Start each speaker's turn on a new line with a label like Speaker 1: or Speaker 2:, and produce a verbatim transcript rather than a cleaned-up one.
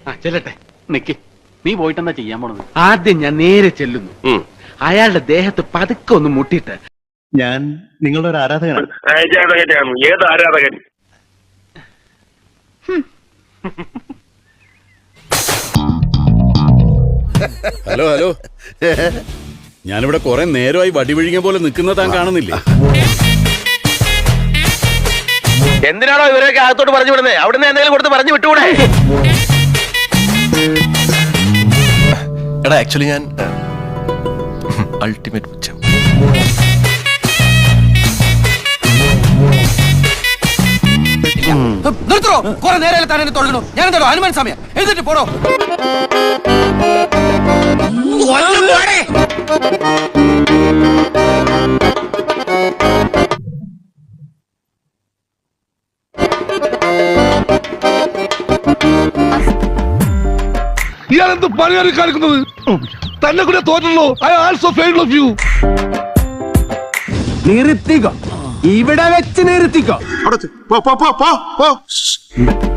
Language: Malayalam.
Speaker 1: ചെല്ലട്ടെ. നിക്ക്, നീ പോയിട്ടെന്താ ചെയ്യാൻ പോണത്?
Speaker 2: ആദ്യം ഞാൻ നേരെ ചെല്ലുന്നു. അയാളുടെ ദേഹത്ത് പതുക്കെ ഒന്ന് മുട്ടിയിട്ട്,
Speaker 3: ഞാൻ നിങ്ങളുടെ ഒരു ആരാധകനാണ്.
Speaker 4: ഏത് ആരാധകൻ?
Speaker 5: ഹലോ ഹലോ, ഞാനിവിടെ കുറെ നേരമായി വടിവിഴിഞ്ഞ പോലെ നിൽക്കുന്ന താൻ കാണുന്നില്ലേ?
Speaker 4: എന്തിനാണോ ഇവരൊക്കെ അകത്തോട്ട് പറഞ്ഞു വിടുന്നത്? അവിടുന്ന് എന്തെങ്കിലും കൊടുത്ത് പറഞ്ഞു വിട്ടുകൂടെ?
Speaker 6: എടാ, ആക്ച്വലി ഞാൻ അൾട്ടിമേറ്റ് പുച്ഛം.
Speaker 2: നിർത്തോ. കുറെ നേരം തന്നെ തുടങ്ങണോ? ഞാൻ എന്താണോ ഹനുമാൻ സമയം എഴുതിട്ട് പോടോ.
Speaker 7: ഇയാളെന്ത് പണിയാണ് കാണിക്കുന്നത്? തന്നെ കൂടെ തോറ്റല്ലോ. I also failed of you.
Speaker 2: നിർത്തിക്കോ, ഇവിടെ വെച്ച് നിർത്തിക്കോ.
Speaker 3: പോ പോ പോ പോ.